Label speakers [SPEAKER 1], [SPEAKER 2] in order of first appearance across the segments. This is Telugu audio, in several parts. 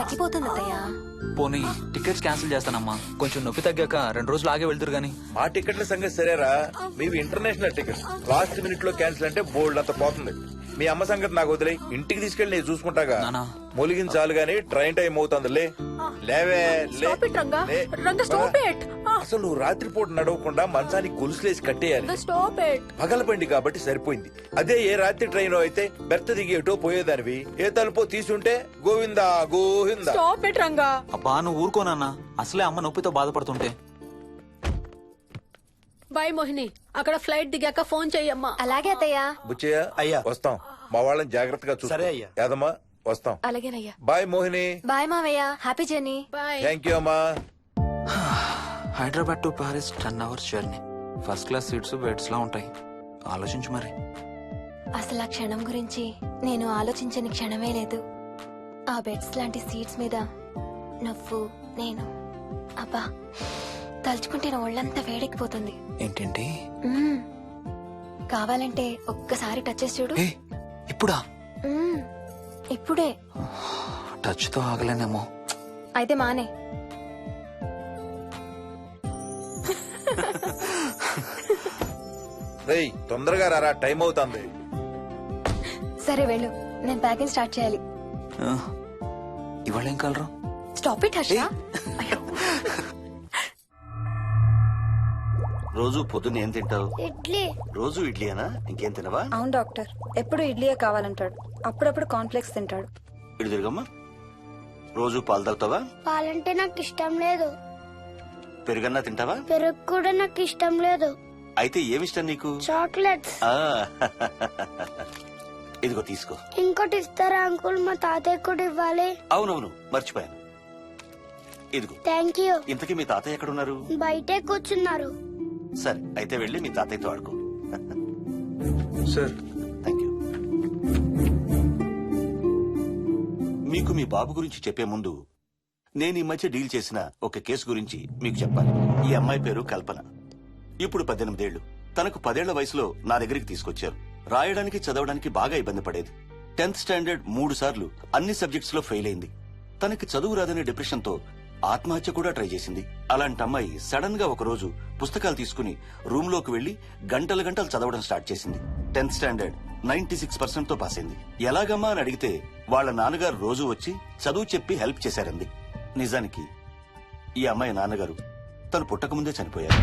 [SPEAKER 1] తగ్గిపోతుంది అత్తయ్య.
[SPEAKER 2] పోనీ టికెట్స్ క్యాన్సిల్ చేస్తానమ్మా. కొంచెం నొప్పి తగ్గాక 2 రోజులు ఆగే వెళ్తురు గాని.
[SPEAKER 3] మా టికెట్ల సంగతి సరేరా, మీవి ఇంటర్నేషనల్ టికెట్స్. లాస్ట్ మినిట్ లో క్యాన్సిల్ అంటే బోల్డ్ అంత పోతుంది. మీ అమ్మ సంగతి నాకు వదిలే, ఇంటికి తీసుకెళ్లి నేను చూసుకుంటాగా.
[SPEAKER 2] నానా.
[SPEAKER 3] మొలిగించాలు గాని ట్రైన్ టైం అవుతుంది. లేవే లే.
[SPEAKER 1] Stop it, Ranga.
[SPEAKER 3] లే.
[SPEAKER 1] Ranga, stop it.
[SPEAKER 3] అసలు నువ్వు రాత్రిపూట నడవకుండా మంచానికి గొలుసులేసి కట్టేయాలి.
[SPEAKER 1] Stop it.
[SPEAKER 3] పగలబండి కాబట్టి సరిపోయింది. అదే ఏ రాత్రి ట్రైన్ అయితే బెర్త దిగి ఎటో పోయేదానివి. ఏ తలుపో తీసుంటే గోవిందా గోవిందా.
[SPEAKER 1] Stop it, Ranga.
[SPEAKER 2] అబ్బా నువ్వు ఊరుకోనన్నా, అసలే అమ్మ నొప్పితో బాధపడుతుంటే.
[SPEAKER 1] బాయ్ మోహిని, అక్కడ ఫ్లైట్ దిగాక ఫోన్ చెయ్యమ్మా.
[SPEAKER 4] అలాగే అత్తయ్య.
[SPEAKER 3] బుచ్చయ్య
[SPEAKER 5] అయ్యా.
[SPEAKER 3] వస్తాం. మా వాళ్ళని జాగ్రత్తగా చూసుకో.
[SPEAKER 5] సరే అయ్యా.
[SPEAKER 3] యాదమ్మా వస్తాం.
[SPEAKER 4] అలాగేనయ్యా.
[SPEAKER 3] బాయ్ మోహిని.
[SPEAKER 4] బాయ్ మావయ్య, happy journey.
[SPEAKER 1] Bye.
[SPEAKER 3] Thank you అమ్మా.
[SPEAKER 2] Hyderabad to Paris 10 hours journey. First class seats beds లా ఉంటాయి. ఆలోచించు మరి.
[SPEAKER 4] అసలు ఆ క్షణం గురించి నేను ఆలోచించని క్షణమే లేదు. ఆ బెడ్స్ లాంటి సీట్స్ మీద నువ్వు, నేను, అబ్బా తలుచుకుంటే నా ఒళ్ళంతా వేడెక్కిపోతుంది.
[SPEAKER 2] ఏంటంటే
[SPEAKER 4] మ్మ్. కావాలంటే ఒక్కసారి టచ్ చేసి చూడు.
[SPEAKER 2] ఏ ఇప్పుడా?
[SPEAKER 4] మ్మ్. ఇప్పుడే.
[SPEAKER 2] టచ్ తో ఆగలేనేమో.
[SPEAKER 4] అయితే మానే.
[SPEAKER 3] రేయ్ తొందరగా రారా, టైం అవుతుంది.
[SPEAKER 4] సరే వెళ్ళు, నేను ప్యాకింగ్ స్టార్ట్ చేయాలి.
[SPEAKER 2] ఇవాళ ఏం కలరు?
[SPEAKER 4] Stop it Harsha.
[SPEAKER 5] రోజు పొద్దున్న ఏం తింటావు?
[SPEAKER 6] ఇడ్లీ.
[SPEAKER 5] రోజు ఇడ్లీనా? ఇంకేం తినవా?
[SPEAKER 7] అవును డాక్టర్, ఎప్పుడు ఇడ్లీయే కావాలంటాడు. అప్పుడప్పుడు కాన్ఫ్లెక్స్ తింటాడు.
[SPEAKER 5] ఇటు తిరగమ్మా. రోజు పాలు తాగుతావా?
[SPEAKER 6] పాలంటే నాకు ఇష్టం లేదు.
[SPEAKER 5] పెరుగన్నా తింటావా?
[SPEAKER 6] పెరుగు కూడా నాకు ఇష్టం లేదు.
[SPEAKER 5] అయితే ఏమిష్టం నీకు?
[SPEAKER 6] చాక్లెట్స్.
[SPEAKER 5] ఆ, ఇదిగో తీసుకో.
[SPEAKER 6] ఇంకోటి ఇస్తారా అంకుల్? మా తాతయ్య కూడా ఇవ్వాలి.
[SPEAKER 5] అవునవును మర్చిపోయాను. ఇదిగో.
[SPEAKER 6] Thank you.
[SPEAKER 5] ఇంతకీ మీ తాతయ్య ఎక్కడున్నారు?
[SPEAKER 6] బయటే కూర్చున్నారు.
[SPEAKER 5] సరే అయితే వెళ్ళి మీ తాతయ్యతో ఆడుకో.
[SPEAKER 2] Sir
[SPEAKER 5] thank you. మీకు మీ బాబు గురించి చెప్పే ముందు నేను ఈ మధ్య డీల్ చేసిన ఒక కేసు గురించి మీకు చెప్పాలి. ఈ అమ్మాయి పేరు కల్పన. ఇప్పుడు 18 ఏళ్లు. తనకు 10 ఏళ్ల వయసులో నా దగ్గరికి తీసుకొచ్చారు. రాయడానికి చదవడానికి బాగా ఇబ్బంది పడేది. 10th స్టాండర్డ్ 3 సార్లు అన్ని సబ్జెక్ట్స్ లో ఫెయిల్ అయింది. తనకి చదువు రాదనే డిప్రెషన్ తో ఆత్మహత్య కూడా ట్రై చేసింది. అలాంటి అమ్మాయి సడన్ గా ఒక రోజు పుస్తకాలు తీసుకుని రూమ్ లోకి వెళ్లి గంటలు గంటలు చదవడం స్టార్ట్ చేసింది. 10th స్టాండర్డ్ 96% తో పాస్ అయింది. ఎలాగమ్మా అని అడిగితే వాళ్ళ నాన్నగారు రోజు వచ్చి చదువు చెప్పి హెల్ప్ చేశారంది. నిజానికి ఈ అమ్మాయి నాన్నగారు తను పుట్టకముందే చనిపోయారు.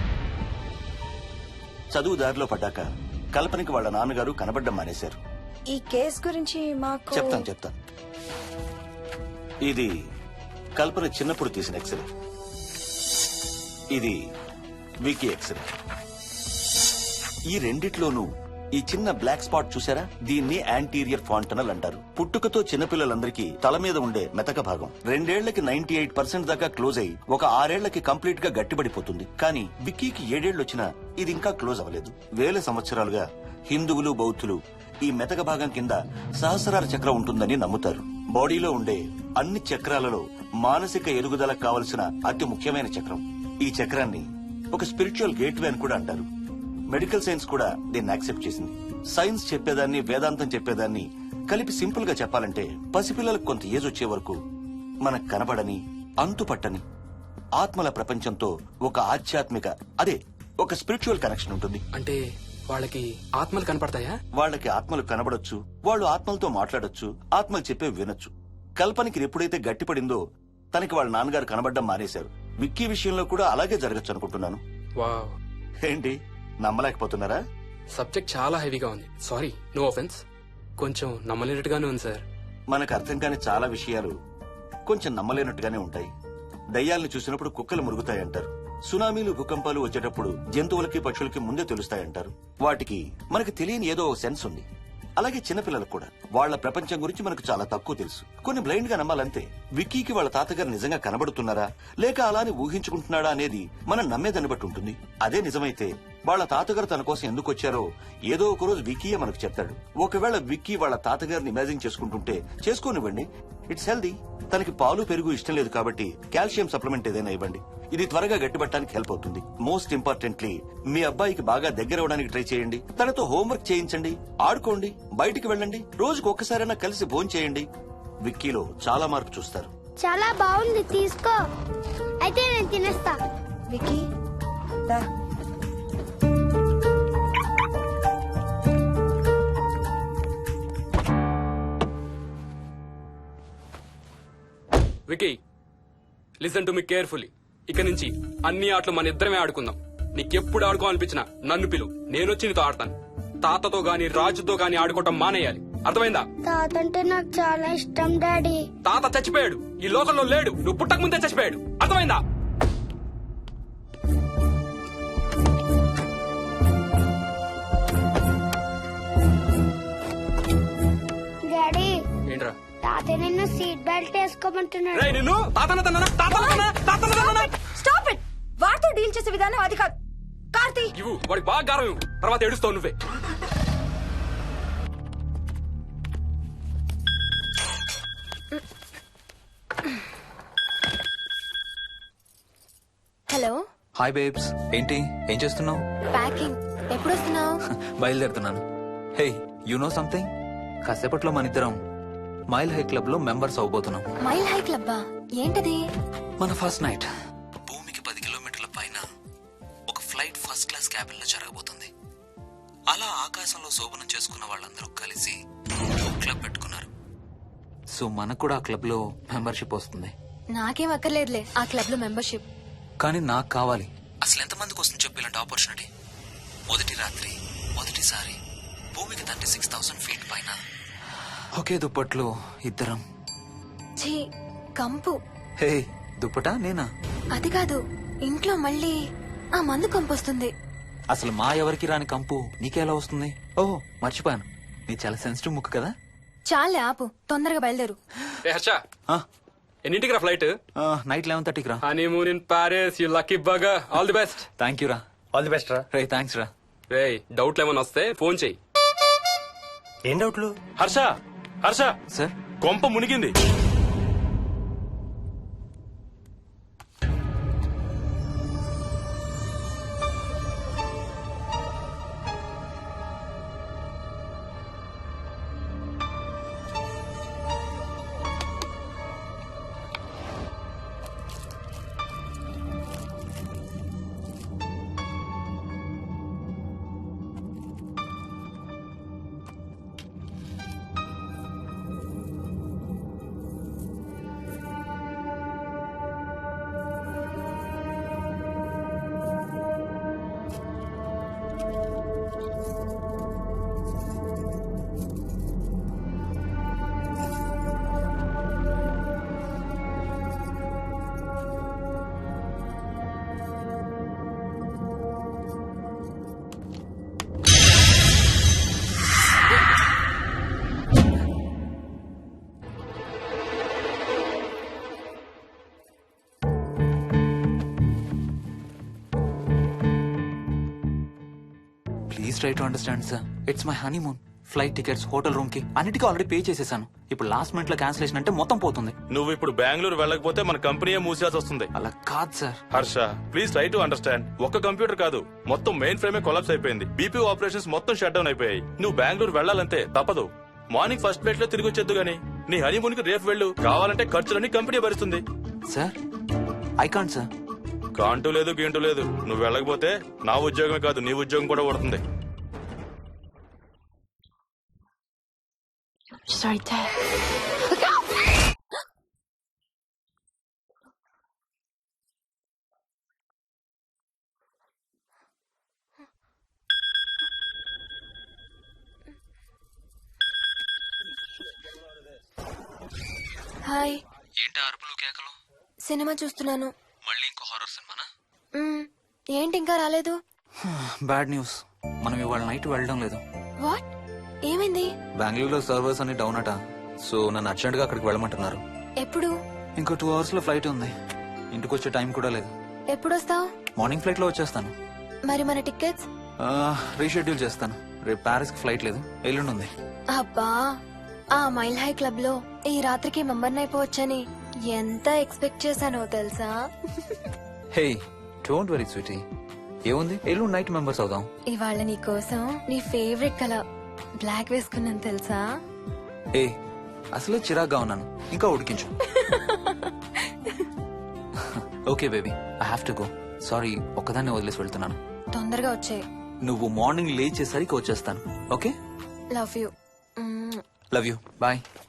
[SPEAKER 5] చదువు దారిలో పడ్డాక కల్పనకి వాళ్ళ నాన్నగారు కనబడ్డం మానేశారు.
[SPEAKER 7] ఈ కేస్ గురించి మాకు
[SPEAKER 5] చెప్తాను. ఇది కల్పన చిన్నప్పుడు తీసిన ఎక్స్రే. ఇది వికీ ఎక్స్రే. ఈ రెండిట్లోనూ ఈ చిన్న బ్లాక్ స్పాట్ చూసారా? దీన్ని యాంటీరియర్ ఫాంటనల్ అంటారు. పుట్టుకతో చిన్నపిల్లలందరికీ తల మీద ఉండే మెతక భాగం 2 ఏళ్లకి 98% దాకా క్లోజ్ అయి ఒక 6 ఏళ్లకి కంప్లీట్ గా గట్టిపడిపోతుంది. కానీ విక్కీకి 7 ఏళ్లు వచ్చినా ఇది ఇంకా క్లోజ్ అవ్వలేదు. వేల సంవత్సరాలుగా హిందువులు, బౌద్ధులు ఈ మెతక భాగం కింద సహస్రార చక్రం ఉంటుందని నమ్ముతారు. బాడీలో ఉండే అన్ని చక్రాలలో మానసిక ఎదుగుదలకు కావలసిన అతి ముఖ్యమైన చక్రం. ఈ చక్రాన్ని ఒక స్పిరిచువల్ గేట్వే అని కూడా అంటారు. మెడికల్ సైన్స్ కూడా దీన్ని యాక్సెప్ట్ చేసింది. సైన్స్ చెప్పేదాన్ని, వేదాంతం చెప్పేదాన్ని కలిపి సింపుల్ గా చెప్పాలంటే పసిపిల్లలకు కొంత ఏజ్ వచ్చే వరకు మనకు కనబడని, అంతుపట్టని ఆత్మల ప్రపంచంతో ఒక ఆధ్యాత్మిక, అదే ఒక స్పిరిచువల్ కనెక్షన్ ఉంటుంది.
[SPEAKER 8] అంటే వాళ్ళకి ఆత్మలు కనపడతాయా?
[SPEAKER 5] వాళ్ళకి ఆత్మలు కనబడొచ్చు, వాళ్ళు ఆత్మలతో మాట్లాడొచ్చు, ఆత్మలు చెప్పే వినొచ్చు. కల్పనకి ఎప్పుడైతే గట్టిపడిందో తనకి వాళ్ళ నాన్నగారు కనబడ్డం మానేశారు. విక్కీ విషయంలో కూడా అలాగే జరగచ్చు అనుకుంటున్నాను.
[SPEAKER 8] వావ్,
[SPEAKER 5] ఏంటి నమ్మలేకపోతున్నారా?
[SPEAKER 8] సబ్జెక్ట్ చాలా హెవీగా ఉంది. Sorry, no offence. కొంచెం నమ్మలేనట్టుగానే ఉంది సార్.
[SPEAKER 5] మనకు అర్థం కాని చాలా విషయాలు కొంచెం నమ్మలేనట్టుగానే ఉంటాయి. దయ్యాలను చూసినప్పుడు కుక్కలు మురుగుతాయంటారు. సునామీలు, భూకంపాలు వచ్చేటప్పుడు జంతువులకి, పక్షులకి ముందే తెలుస్తాయంటారు. వాటికి మనకు తెలియని ఏదో సెన్స్ ఉంది. అలాగే చిన్నపిల్లలకు కూడా వాళ్ల ప్రపంచం గురించి మనకు చాలా తక్కువ తెలుసు. కొన్ని బ్లైండ్ గా నమ్మాలంతే. విక్కీకి వాళ్ళ తాతగారు నిజంగా కనబడుతున్నారా లేక అలానే ఊహించుకుంటున్నాడా అనేది మనం నమ్మేదాన్ని బట్టి ఉంటుంది. అదే నిజమైతే వాళ్ళ తాతగారు తన కోసం ఎందుకు వచ్చారో ఏదో ఒక రోజు విక్కీయే మనకు చెప్తాడు. ఒకవేళ విక్కీ వాళ్ళ తాతగారిని ఇమాజిన్ చేసుకుంటుంటే చేసుకోనివ్వండి, ఇట్స్ హెల్దీ. తనకి పాలు, పెరుగు ఇష్టం లేదు కాబట్టి కాల్షియం సప్లిమెంట్ ఏదైనా ఇవ్వండి. ఇది త్వరగా గట్టిపట్టడానికి హెల్ప్ అవుతుంది. మోస్ట్ ఇంపార్టెంట్లీ మీ అబ్బాయికి బాగా దగ్గర అవడానికి ట్రై చేయండి. తనతో హోంవర్క్ చేయించండి, ఆడుకోండి, బయటికి వెళ్ళండి, రోజుకు ఒక్కసారైనా కలిసి భోజనం చేయండి. విక్కీలో చాలా మార్పు చూస్తారు.
[SPEAKER 6] చాలా బాగుంది, తీసుకో. అయితే నేను తినేస్తా.
[SPEAKER 7] వికీ దా.
[SPEAKER 8] Vicky listen to me carefully. ఇక నుంచి అన్ని ఆటలు మన ఇద్దరమే ఆడుకుందాం. నీకెప్పుడు ఆడుకోవాలనిపించినా నన్ను పిలు, నేనొచ్చి నీతో ఆడతాను. తాతతో గాని రాజుతో గాని ఆడుకోవటం మానేయాలి, అర్థమైందా?
[SPEAKER 6] తాత అంటే నాకు చాలా ఇష్టం డాడీ.
[SPEAKER 8] తాత చచ్చిపోయాడు, ఈ లోకంలో లేడు. నువ్వు పుట్టక ముందే చచ్చిపోయాడు, అర్థమైందా?
[SPEAKER 6] డాడీ,
[SPEAKER 8] ఏంట్రా?
[SPEAKER 6] తాత నిన్ను సీట్ బెల్ట్ వేసుకోమంటున్నాడు.
[SPEAKER 8] రేయ్ నిన్ను
[SPEAKER 7] స్టాప్ ఇట్. వాడితో డీల్ చేసే విధానం అది కాదు. కార్తీ
[SPEAKER 8] ఇవ్వు, వాడికి బాగా గారం ఇవ్వు, తర్వాత ఏడుస్తావు నువ్వే.
[SPEAKER 4] హలో,
[SPEAKER 2] హాయ్ బేబ్స్, ఏంటి ఏం చేస్తున్నావు?
[SPEAKER 4] ప్యాకింగ్. ఎప్పుడు వస్తున్నావు?
[SPEAKER 2] బయలుదేరుతున్నాను. Hey, you know something? కాసేపట్లో మన ఇద్దరం మైల్ హై క్లబ్ లో మెంబర్స్ అవబోతున్నాం.
[SPEAKER 4] మైల్ హై క్లబ్బా? ఏంటది?
[SPEAKER 2] మన ఫస్ట్ నైట్ భూమికి 10 కిలోమీటర్ల పైన ఒక ఫ్లైట్ ఫస్ట్ క్లాస్ క్యాబిన్ లో జరగబోతుంది. అలా ఆకాశంలో శోభనం చేసుకున్న వాళ్ళందరూ కలిసి క్లబ్ పెట్టుకున్నారు. సో మనకు కూడా ఆ క్లబ్ లో మెంబర్షిప్ వస్తుంది.
[SPEAKER 4] నాకేం అక్కర్లేదులే ఆ క్లబ్ లో మెంబర్షిప్.
[SPEAKER 2] కానీ నాకు కావాలి. అసలు ఎంతమందికి వస్తుంది చెప్పు ఇలాంటి ఆపర్చునిటీ? మొదటి రాత్రి, మొదటిసారి భూమికి 36,000 ఫీట్ పైన ఒకే దుప్పట్లో ఇద్దరం.
[SPEAKER 4] ఛీ, కంపు.
[SPEAKER 2] హే, దుప్పటా నేనా?
[SPEAKER 4] అది కాదు, ఇంట్లో మళ్ళీ ఆ మందు కంపొస్తుంది.
[SPEAKER 2] అసలు మా ఎవరికి రాని కంపు నీకెలా వస్తుంది? ఓహో, మర్చిపోయాను, నీ చాలా సెన్సిటివ్ ముక్కు కదా.
[SPEAKER 4] చాలే ఆపు, తొందరగా బయలుదేరు.
[SPEAKER 8] రే హర్ష,
[SPEAKER 2] ఆ,
[SPEAKER 8] ఎన్నింటికి రా ఫ్లైట్?
[SPEAKER 2] నైట్ 11:30కి రా.
[SPEAKER 8] Honeymoon in Paris, you lucky bugger. All the best.
[SPEAKER 2] Thank you రా.
[SPEAKER 3] ఆల్ ది బెస్ట్ రా.
[SPEAKER 2] రే థ్యాంక్స్ రా.
[SPEAKER 8] రే డౌట్లు ఏమైనా వస్తే ఫోన్ చెయ్యి.
[SPEAKER 3] ఏం డౌట్లు?
[SPEAKER 9] హర్ష హర్ష,
[SPEAKER 2] సార్,
[SPEAKER 9] కొంప మునిగింది.
[SPEAKER 2] Please try to understand sir. It's my honeymoon. Flight tickets, hotel room కి అన్నిటికీ ఆల్రెడీ పే చేసేసాను. ఇప్పుడు లాస్ట్ మినిట్ లో క్యాన్సిలేషన్ అంటే మొత్తం పోతుంది.
[SPEAKER 9] నువ్వు ఇప్పుడు బెంగళూరు వెళ్ళకపోతే మన కంపెనీయే మూసేయాల్సి వస్తుంది.
[SPEAKER 2] అలా కాదు sir.
[SPEAKER 9] Harsha, please try to understand. ఒక్క కంప్యూటర్ కాదు, మొత్తం మెయిన్ ఫ్రేమే కొలాప్స్ అయిపోయింది. బీపీ ఆపరేషన్స్ మొత్తం షట్ డౌన్ అయిపోయాయి. నువ్వు బెంగళూరు వెళ్ళాలంటే తప్పదు. మార్నింగ్ ఫస్ట్ ఫ్లైట్ లో తిరిగి వచ్చేద్దు గానీ నీ హనీమూన్ కి రేపు వెళ్ళు. కావాలంటే ఖర్చులన్నీ కంపెనీ భరిస్తుంది.
[SPEAKER 2] Sir, I can't sir.
[SPEAKER 9] కాంటూ లేదు గీంటూ లేదు. నువ్వు వెళ్ళకపోతే నా ఉద్యోగమే కాదు నీ ఉద్యోగం కూడా పడుతుంది.
[SPEAKER 4] హాయ్.
[SPEAKER 2] ఏంటి అరుపులు కేకలు?
[SPEAKER 4] సినిమా చూస్తున్నాను.
[SPEAKER 2] మళ్ళీ ఇంకో హారర్ సినిమానా?
[SPEAKER 4] ఏంటి ఇంకా రాలేదు?
[SPEAKER 2] బ్యాడ్ న్యూస్, మనం ఇవాళ నైట్ వెళ్ళడం లేదు.
[SPEAKER 4] వాట్? ఏమైంది?
[SPEAKER 2] బెంగళూరులో సర్వర్స్ అన్ని డౌన్ అట. సో నన్ను అర్జెంట్ గా అక్కడికి వెళ్ళమంటున్నారు.
[SPEAKER 4] ఎప్పుడు?
[SPEAKER 2] ఇంకో 2 hours లో ఫ్లైట్ ఉంది. ఇంటికి వచ్చే టైం కూడా లేదు.
[SPEAKER 4] ఎప్పుడు వస్తావు?
[SPEAKER 2] మార్నింగ్ ఫ్లైట్ లో వచ్చేస్తాను.
[SPEAKER 4] మరి మన టికెట్స్?
[SPEAKER 2] రీషెడ్యూల్ చేస్తాను. రేపు ప్యారిస్ కి ఫ్లైట్ లేదు, ఎల్లుండి ఉంది.
[SPEAKER 4] అబ్బా, ఆ మైల్ హై క్లబ్ లో ఈ రాత్రికి మెంబర్ అయిపోవచ్చని ఎంత ఎక్స్పెక్ట్ చేశానో తెలుసా?
[SPEAKER 2] Hey, don't worry sweetie. ఏముంది, ఎల్లుండి నైట్ మెంబర్స్ అవుదాం.
[SPEAKER 4] ఇవాళ నీ కోసం నీ ఫేవరెట్ కలర్ బ్లాక్ వేసుకున్నాను తెలుసా?
[SPEAKER 2] ఏ, అసలే చిరాగ్గా ఉన్నాను ఇంకా ఉడికించు. Okay baby, I have to go. Sorry, ఒక్కదాన్ని వదిలేసి వెళ్తున్నాను.
[SPEAKER 4] తొందరగా వచ్చే.
[SPEAKER 2] నువ్వు మార్నింగ్ లేచేసరికి వచ్చేస్తాను. Okay,
[SPEAKER 4] love you.
[SPEAKER 2] Love you, bye.